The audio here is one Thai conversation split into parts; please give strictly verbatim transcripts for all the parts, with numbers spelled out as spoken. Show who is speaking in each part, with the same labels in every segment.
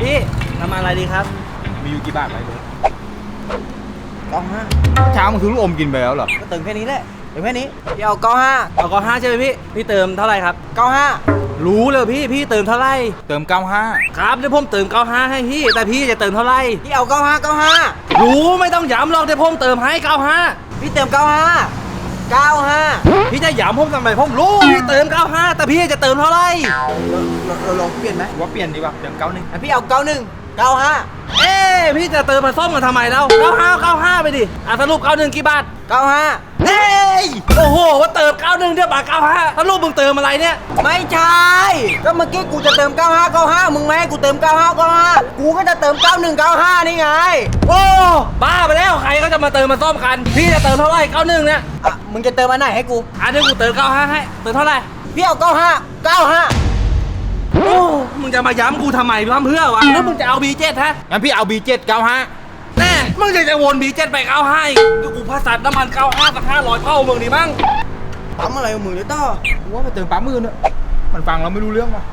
Speaker 1: พี่น้ำมันอะไรดีครับ
Speaker 2: มีอยู่กี่บาทไหมลุง
Speaker 1: เก้าห้า
Speaker 2: เช้ามึงซื้อลูกอมกินไปแล้วเหรอ
Speaker 1: ก็เติมแค่นี้แหละเติมแค่นี้พี่เอาเก้าห้าเอาเก้าห้าใช่ไหมพี่พี่เติมเท่าไหร่ครับเก้าห้ารู้เลยพี่พี่เติมเท่าไหร่
Speaker 2: เติมเก้าห้า
Speaker 1: ครับเดี๋ยวผมเติมเก้าห้าให้พี่แต่พี่จะเติมเท่าไหร่พี่เอาเก้าห้าเก้าห้ารู้ไม่ต้องย้ำหรอกเดี๋ยวผมเติมให้เก้าห้าพี่เติมเก้าห้าเก้าห้าพี่จะย้ำผมทำไมผมรู้พี่เติมเก้าห้าแต่พี่จะเติมเท่าไหร่เราลองเปลี่ยนไหม
Speaker 2: ว่าเปลี่ยนดีกว่าเติมเก้าหนึ่ง
Speaker 1: พี่เอาเก้าหนึ่งเก้าห้าเอ๊พี่จะเติมมาส้มกันทำไมแล้วเก้าห้าเก้าห้าไปดิอ่ะสรุปเก้าหนึ่งกี่บาทเก้าห้าเฮ้ยโอ้โหว่าเติมเก้าหนึ่งเดี๋ยวบาทเก้าห้าสรุปมึงเติมอะไรเนี่ยไม่ใช่ก็เมื่อกี้กูจะเติมเก้าห้าเก้าห้ามึงไม่ให้กูเติมเก้าห้าเก้าห้ากูก็จะเติมเก้าหนึ่งเก้าห้านี่ไงโอ้บ้าไปแล้วใครก็จะมาเติมมาส้มกันพี่จะเติมเท่าไหร่เก้าหนึ่งเนี่ยอ่ะมึงจะเติมอันไหนให้กูอ่ะเดี๋ยวกูเติมเก้าห้าให้เติมเท่าไหร่พี่เอาเก้าห้าเก้าห้าโอ้มึงจะมาย้ำกูทำไมทำเพื่อวะแล้วมึงจะเอา บี เจ็ด ฮะ
Speaker 2: งั้นพี่เอา บี เจ็ด เก้าห้า
Speaker 1: แน่มึงจะจะวน บี เจ็ด ไปเก้าห้าอีกกูพาสัตว์น้ำมันเก้าห้าสักห้าร้อยเท่ามึงดิมั้งปั๊มอะไรมึงเนี่ยต้อ
Speaker 2: กูว่าไปเติมปั๊มมือเนี่ยมันฟังเราไม่รู้เรื่องว่ะ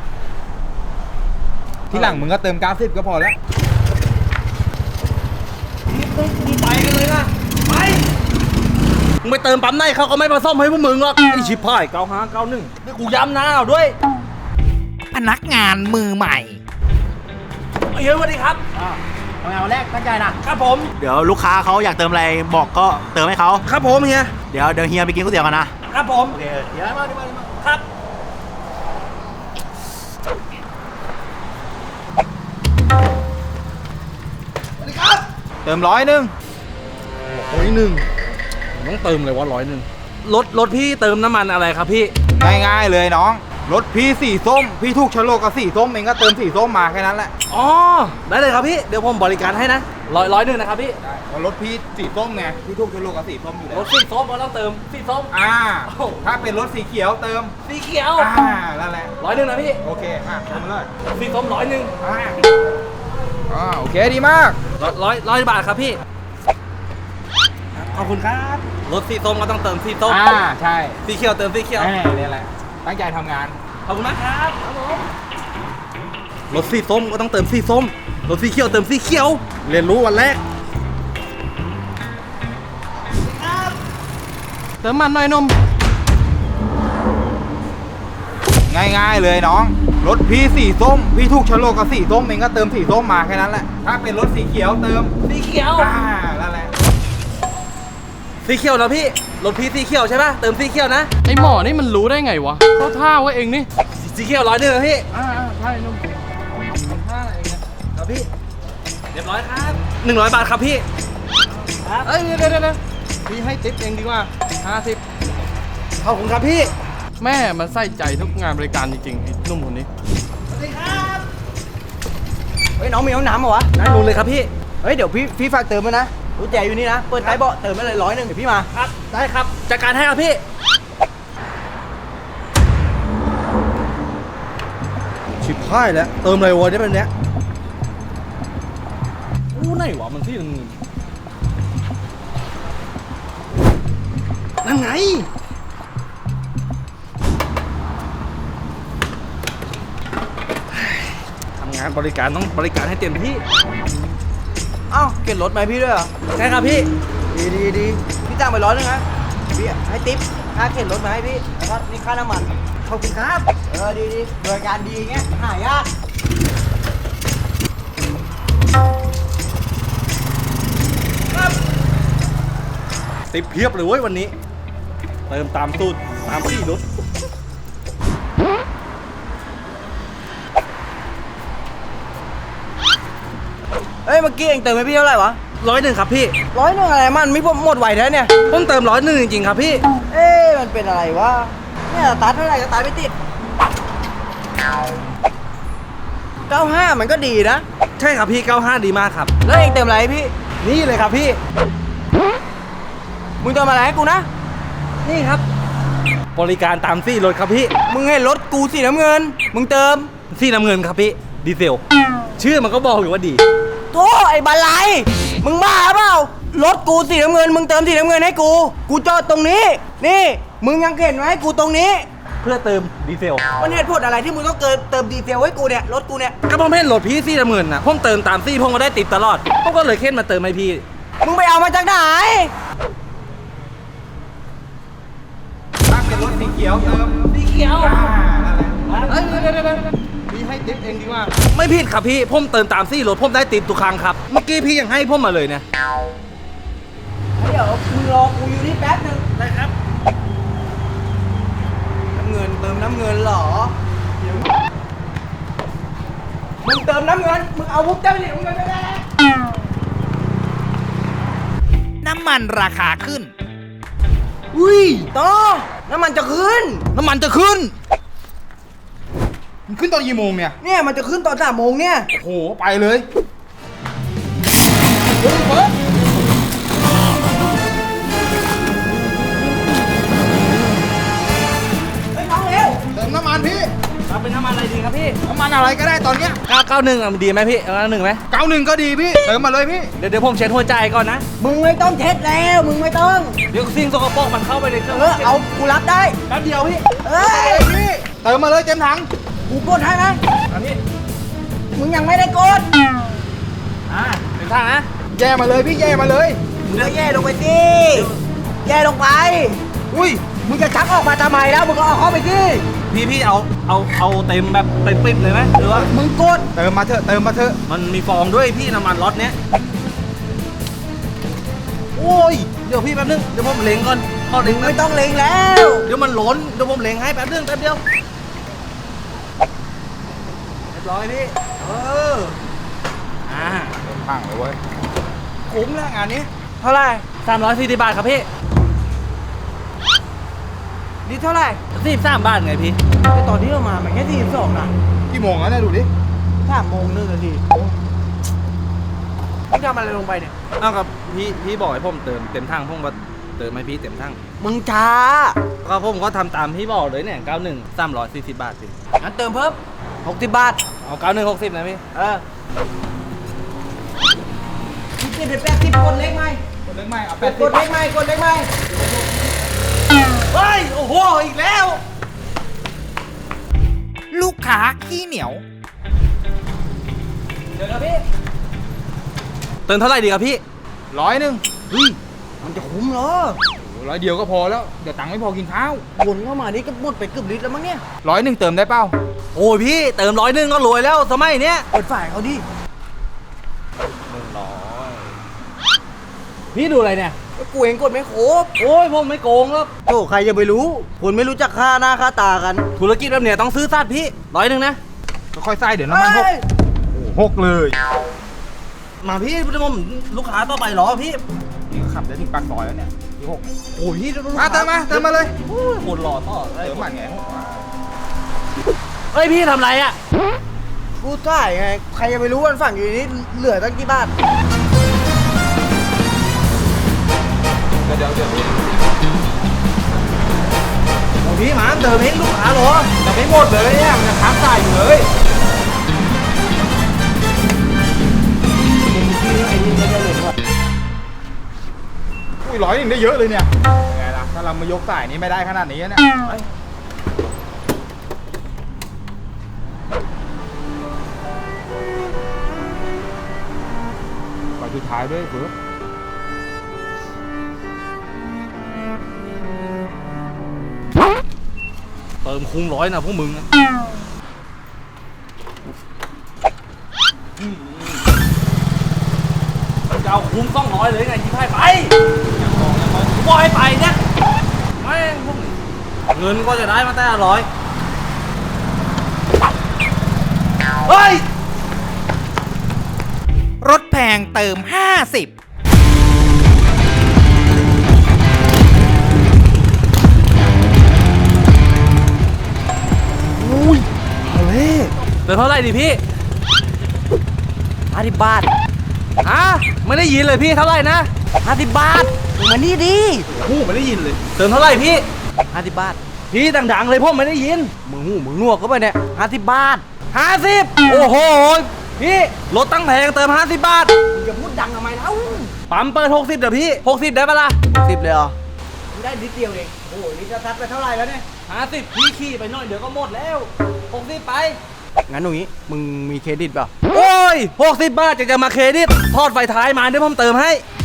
Speaker 2: ที่หลังมึงก็เติมเก้าสิบก็พอแล้ว
Speaker 1: มึงไปกันเลยนะไปมึงไปเติมปั๊มไหนเขาก็ไม่มาซ่อมให้พวกมึงหรอกไอชิบหายเก้าห้าเก้าหนึ่งนี่กูย้ำนะเอาด้วย
Speaker 3: พนักงานมือใหม่
Speaker 1: เฮ้ยสวัสดีครับ
Speaker 4: ทำงานวันแรกตั้งใจนะครับ
Speaker 1: ผม
Speaker 4: เดี๋ยวลูกค้าเขาอยากเติมอะไรบอกก็เติมให้เขา
Speaker 1: ครับผมเฮีย
Speaker 4: เดี๋ยวเดี๋ยวเฮียไปกินก๋วยเตี๋ยวกันนะครับ
Speaker 1: ผม
Speaker 4: โอเคเดี๋ยวมาเดี๋ยวมา
Speaker 1: ครับสวัสดีครับ
Speaker 2: เติมร้อยหนึ่ง
Speaker 1: ร้อยหนึ่งต้องเติมเลยว่าร้อยหนึ่งรถรถพี่เติมน้ำมันอะไรครับพี่
Speaker 2: ง่ายๆเลยน้องรถพี่สีส้มพี่ถูกชะโลกกับสีส้มเองก็เติมสีส้มมาแค่นั้นแหละ
Speaker 1: อ๋อได้เลยครับพี่เดี๋ยวผมบริการให้นะร้อยร้อยหนึ่งนะครับพี่
Speaker 2: รถพี่สีส้มไงพี่ถูกชะโลกกับสีส้มอยู่แล้ว
Speaker 1: รถสีส้มก็ต้องเติมสีส้ม
Speaker 2: อ่าถ้าเป็นรถสีเขียวเติม
Speaker 1: สีเขียว
Speaker 2: อ่านั่นแหละ
Speaker 1: ร้อยหนึ่งนะพี่
Speaker 2: โอเคอ่ะเติมมาเลย
Speaker 1: สีส้มร้อยหนึ่ง
Speaker 2: อ่าอ่าโอเคดีมาก
Speaker 1: ร้อยร้อยบาทครับพี่ขอบคุณครับรถสีส้มก็ต้องเติมสีส้ม
Speaker 2: อ่าใช่
Speaker 1: สีเขียวเติมสีเขียว
Speaker 2: นี่แหละตั้งใจทำงาน
Speaker 1: ขอบคุณมากครับรถสีส้มก็ต้องเติมสีส้มรถสีเขียวเติมสีเขียวเรียนรู้วันแรกเติมมันหน่อยนม
Speaker 2: ง่ายๆเลยน้องรถพี่สีส้มพี่ถูกชะโลกกับสีส้มเองก็เติมสีส้มมาแค่นั้นแหละถ้าเป็นรถสีเขียวเติม
Speaker 1: สีเขียว
Speaker 2: อ่านั่นแหละ
Speaker 1: สีเขียวนะพี่รถพี่สีเขียวใช่ป่ะเติมสีเขียวนะ
Speaker 3: ไอหมอนี่มันรู้ได้ไงวะเขาท่าไว้เองนี่
Speaker 1: สีเขียวร้อยหนึ่งนะพี่
Speaker 3: อ่าใช่นุ่ม
Speaker 1: ท่าอะไรเงี้ยครับพี่เรียบร้อยครับหนึ่งร้อยบาทครับพี่
Speaker 3: ครับเอ้ยเดี๋ยวเดี๋ยวพี่ให้ติ๊บเองดีกว่าห้าสิบ
Speaker 1: ขอบคุณครับพี่
Speaker 3: แม่มันใส่ใจทุกงานบริการจริงๆไอ้นุ่มคนนี้
Speaker 1: สวัสดีครับเฮ้ยน้องมีน้ำน้ำเหรอวะน้ำนูนเลยครับพี่เฮ้ยเดี๋ยวพี่พี่ฝากเติมมานะรู้แจอยู่นี่นะเปิดท้ายเบาะเติมไปเลยร้อยหนึ่งเดี๋ยวพี่มาครับได้ครับจัดการให้ครับพี่ชิบพ่ายแล้วเติมอะไรวะเนี่ยเป็นเนี้ยอู้ไหนวะมันที่นึงนั่นไงทำงานบริการต้องบริการให้เต็มที่เอ้าเก็บรถไหมพี่ด้วยเหรอใช่ครับพี่ดีดีดีพี่จ้างไปร้อยนึงนะพี่ให้ติ๊บค่าเข็นรถมาให้พี่แล้วก็นี่ค่าน้ำมันขอบคุณครับเออดีดีบริการดีเงี้ยหายากครับติ๊บเพียบเลยเว้ยวันนี้เติมตามสูตรตามที่รถเอ้ยเมื่อกี้เองเติมให้พี่เท่าไหร่วะร้อยหนึ่งครับพี่ร้อยหนึ่งอะไรมันไม่หมดไหวแท้เนี่ยต้องเติมร้อยหนึ่งจริงๆครับพี่เอ๊ะมันเป็นอะไรวะเนี่ยสตาร์ทเท่าไหร่ก็สตาร์ทไม่ติดเก้าห้ามันก็ดีนะใช่ครับพี่เก้าห้าดีมากครับแล้วเองเติมอะไรพี่นี่เลยครับพี่มึงเติมอะไรให้กูนะนี่ครับบริการตามซี่รถครับพี่มึงให้รถกูสีน้ำเงินมึงเติมสีน้ำเงินครับพี่ดีเซลชื่อมันก็บอกอยู่ว่าดีโธ่ไอ้บาไลมึงบ้าเปล่ารถกูสีน้ำเงินมึงเติมสีน้ำเงินให้กูกูจอดตรงนี้นี่มึงยังเข็นไว้ให้กูตรงนี้ถพื่อเติมดีเซล
Speaker 3: มันเหตุผลอะไรที่มึงต้องเกินเติมดีเซลให้กูเนี่ยรถกูเนี่ย
Speaker 1: ก็ผมเห็นรถพี่ซี่ละหมื่นนะผมเติมตามซี่ผมก็ได้ติดตลอดผมก็เลยเค้นมาเติมให้พี่
Speaker 3: มึงไปเอามาจากไหน
Speaker 2: ถ้าเป็นรถสีเขียวเติม
Speaker 1: สีเขียว
Speaker 2: อ่านั่นแหละ
Speaker 3: เอ้ยเดี๋ยวเดี๋ยวเดี๋ยวพี่ให้ติ๊บเองดีกว่า
Speaker 1: ไม่ผิดครับพี่ผมเติมตามซี่รถผมได้ติดทุกครั้งครับเมื่อกี้พี่ยังให้ผมมาเลยเนี่ย
Speaker 3: เดี๋ยวมึงรอกูอยู่นี่แป๊บนึง
Speaker 1: ได้ครับ
Speaker 3: น้ำเงินเติมน้ำเงินเหรอเดี๋ยวมึงเติมน้ำเงินมึงเอาวุ้บเจ้าเหนียวเงินไปแล้ว
Speaker 2: น้ำมันราคาขึ้น
Speaker 3: อุ้ยโตน้ำมันจะขึ้น
Speaker 2: น้ำมันจะขึ้น มันขึ้นตอนกี่โมงเนี่ย
Speaker 3: เนี่ยมันจะขึ้นตอนสามโมงเนี่ย
Speaker 2: โอ้โห ไปเลยเฮ้ยเฟิร์ส
Speaker 3: ไปน้องเร็ว
Speaker 2: เติมน้ำมันพี่
Speaker 1: เอาเป็นน้ำมันอะไรดีครับพี่
Speaker 2: น้ำมันอะไรก็ได้ตอนเนี้ย
Speaker 1: เก้าเก้าหนึ่งอ่ะดีไหมพี่เก้าหนึ่งไหม
Speaker 2: เก้าหนึ่งก็ดีพี่ เติมมาเลยพี่
Speaker 1: เดี๋ยวเดี๋ยวผมเช็ดหัวใจก่อนนะ
Speaker 3: มึงไม่ต้องเช็ดแล้วมึงไม่ต้อง
Speaker 1: เดี๋ยวสิ่งสกปรกมันเข้าไปในเครื่อง
Speaker 3: เออเอากูรับได้
Speaker 1: แป๊บเดียวพี่
Speaker 3: เอ้ย
Speaker 2: พี่ เติมมาเลยเต็มถัง
Speaker 3: กูกดให้นะ
Speaker 1: อันนี้
Speaker 3: มึงยังไม่ได้กด
Speaker 1: อ่าเป็นทางนะ
Speaker 2: แย่มาเลยพี่แย่มาเลย
Speaker 3: มึงก็แย่ลงไปสิแย่ลงไป
Speaker 2: อุ้ย
Speaker 3: มึงจะชักออกมาทำไมแล้วมึงก็เอาเข้าไปสิ
Speaker 1: พี่พี่เอาเอาเอาเต็มแบบเต็มปิดเลยไหมหรือว่า
Speaker 3: มึงกด
Speaker 2: เติมมาเถอะ เติมมาเถอะ
Speaker 1: มันมีฟองด้วยพี่น้ำมันรถเนี้ยโอ้ยเดี๋ยวพี่แป๊บนึงเดี๋ยวผมเล็งก่อนพอเล็ง
Speaker 3: ไม่ต้องเล็งแล้ว
Speaker 1: เดี๋ยวมันล้นเดี๋ยวผมเล็งให้แป๊บนึงแป๊บเดียวเรียบร้อยพี่เอออ่า
Speaker 2: เต็มถังเลยเว้ย คุ้มแล้วงานนี้
Speaker 3: เท่าไหร่
Speaker 1: สามร้อยสี่สิบบาทครับพี่
Speaker 3: นี่เท่าไหร่
Speaker 1: สี่สิบสามบาทไงพี่
Speaker 3: แต่ตอนที่เรามามันแค่สี่สิบสองนะ
Speaker 2: กี่โมงแล้วเนี่ยดูดิ
Speaker 3: สามโมงหนึ่งนาทีมึงทำอะไรลงไปเนี่ย
Speaker 1: เอากับพี่พี่บอกให้ผมเติมเต็มทั้งผมก็เติมให้พี่เต็มทั้ง
Speaker 3: มึงช้า
Speaker 1: ก็ผมก็ทำตามพี่บอกเลยเนี่ยเก้าหนึ่งสามร้อยสี่สิบบาทพี่
Speaker 3: งั้นเติมเพิ่มหกสิบบาท
Speaker 1: เอาเก้าหนึ่งหกสิบนะพี่
Speaker 3: เออสิบเป็นแปดสิบกดเล็กไหม
Speaker 2: กดเล็กไหมเอา
Speaker 3: ก
Speaker 2: แป
Speaker 3: ด
Speaker 2: ด
Speaker 3: กดเล็กไหมกดเล็กไหม
Speaker 1: เฮ้ย โอ้โห อีกแล้ว
Speaker 2: ลูกค้าขี้เหนียว
Speaker 3: เดี๋ยวนะพี่
Speaker 1: เติมเท่าไหร่ดีครับพี่
Speaker 2: ร้อยหนึ่ง
Speaker 3: เฮ้ยมันจะคุ้มเหรอ
Speaker 2: ร้อยเดียวก็พอแล้ว เดี๋ยวตังค์ไม่พอกินข้าว
Speaker 3: วนเข้ามานี่ก็หมดไปเกือบลิตรแล้วมั้งเนี่ย
Speaker 2: ร้อยหนึ่งเติมได้เปล่า
Speaker 1: โอ้ยพี่เติมร้อยหนึ่งก็รวยแล้วสมัยเนี้ย
Speaker 3: เปิดฝ่ายเขาดิ
Speaker 1: หนึ่งร้อยพี่ดูอะไรเนี่ย
Speaker 3: กูเองกดไม่ครบ
Speaker 1: โอ้ยผมไม่โกงแล้ว
Speaker 3: โธ่ใครจะไปรู้คนไม่รู้จักค่าหน้าค่าตากัน
Speaker 1: ธุรกิจแบบเนี้ยต้องซื้อสัตว์พี่ร้อยหนึ่งนะ
Speaker 2: ก็ค่อยใส่เดี๋ยวน้ำมันหก
Speaker 3: เฮ้ย
Speaker 2: หกเลย
Speaker 1: มาพี่ผมลูกค้าต่อไปเหรอพี่
Speaker 2: นี่ก็ขับได้ถึงปากซอยแล้วเนี่ยที่หก
Speaker 1: โอ้ยพี่ลูก
Speaker 2: มา
Speaker 1: ค้า
Speaker 2: เติมมาเติมมาเลย
Speaker 1: โอ้ยคนรอต่อเลย
Speaker 2: เติมมันไงหกมา
Speaker 1: เฮ้ยพี่ทำไรอ่ะ
Speaker 3: กูถ่ายไง ใครจะไปรู้วันฝั่งอยู่นี่เหลือตั้งกี่บาท
Speaker 2: เดี๋ยวเดี๋ยวเดี๋ยวพี่
Speaker 1: โอ้ยพี่หมาเติมให้ลูกค้าเหรอ
Speaker 2: จะไม่หมดเลยเนี่ยมันจะค้างจ่ายอยู่เลย อุ้ยร้อยหนึ่งได้เยอะเลยเนี่ยไงล่ะถ้าเรามายกสายนี้ไม่ได้ขนาดนี้เนี่ยไปสุดท้ายด้วยเฟิร์ส
Speaker 1: เติมคุ้งร้อยนะพวกมึงอะมันจะเอาคุ้มต้องร้อยเลยไงที่ให้ไปกูบอกให้ไปเนี่ยไม่งพวกนี้เงินก็จะได้มาแต่ละร้อยเฮ้ย
Speaker 2: รถแพงเติมห้าสิบ
Speaker 3: อุ้ยเอาเลย
Speaker 1: เติมเท่าไหร่ดิพี่
Speaker 3: ห้าสิบบาท
Speaker 1: ฮะไม่ได้ยินเลยพี่เท่าไหร่นะ
Speaker 3: ห้าสิบบาทมึงมานี่ดิ
Speaker 1: หูไม่ได้ยินเลย เติมเท่าไหร่พี่
Speaker 3: ห้าสิบบาท
Speaker 1: พี่ดังๆเลยพ่อไม่ได้ยิน
Speaker 3: มึงหูมึงหนวกเข้าไปเนี่ยห้าสิบบาท
Speaker 1: ห้าสิบโอ้โหพี่รถตั้งแพงเติมห้าสิบบาท
Speaker 3: มึงจะพูดดังทำไมเล่า
Speaker 1: ปั๊มเปิดหกสิบเดี๋ยวพี่หกสิบได้ปะล่ะ
Speaker 3: สิบเลยเหรอมึงได้นิดเดียวเองโอ้โหนี่จะทัดไปเท่าไหร่แล้วเนี่ย
Speaker 1: ห้าสิบพี่ขี่ไปหน่อยเดี๋ยวก็หมดแล้วหกสิบไป
Speaker 3: งั้นตรงนี้มึงมีเครดิตเปล่า
Speaker 1: โอ้ยหกสิบบาทจะจะมาเครดิตทอดไฟท้ายมาเดี๋ยวผมเติมให้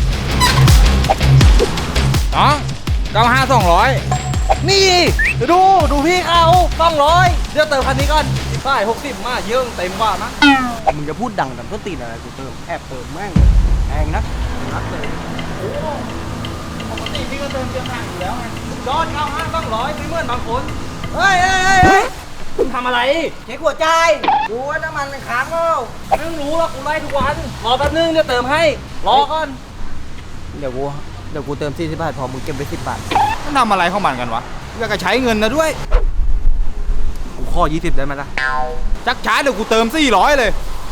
Speaker 2: น้องเก้าห้าสองร้อย
Speaker 1: นี่ดูดูพี่เขาสองร้อยเดี๋ยวเติมคันนี้ก่อนสิบป้ายหกสิบมาเยอะเต็มว่านะ
Speaker 3: มึงจะพูดดังดังต้นตีนอะไรกูเติมแอบเติมแม่งแพงนักนักเลย
Speaker 1: ปกติพี่ก็เติมเติมทางอยู่แล้วไงยอดเก้าห้าสองร้อยไม่เหมือนบางคนเฮ้ยเฮ้ยเฮ้ยเฮ้ยมึงทำอะไร
Speaker 3: เช็คหัวใจดูว่าน้ำมันมันค้างเปล่า
Speaker 1: ไม่ต้องรู้หรอกกูไล่ทุกวันรอแป๊บนึงเดี๋ยวเติมให้รอก่อน
Speaker 3: เดี๋ยวกูเดี๋ยวกูเติมสี่สิบบาทพอมึงเก็บไปสิบบาท
Speaker 2: มันทำอะไรของมันกันวะอยากจะใช้เงินนะด้วย
Speaker 1: กูข้อยี่สิบได้ไหมล่ะ
Speaker 2: จักช้าเดี๋ยวกูเติมสี่ร้อยเลย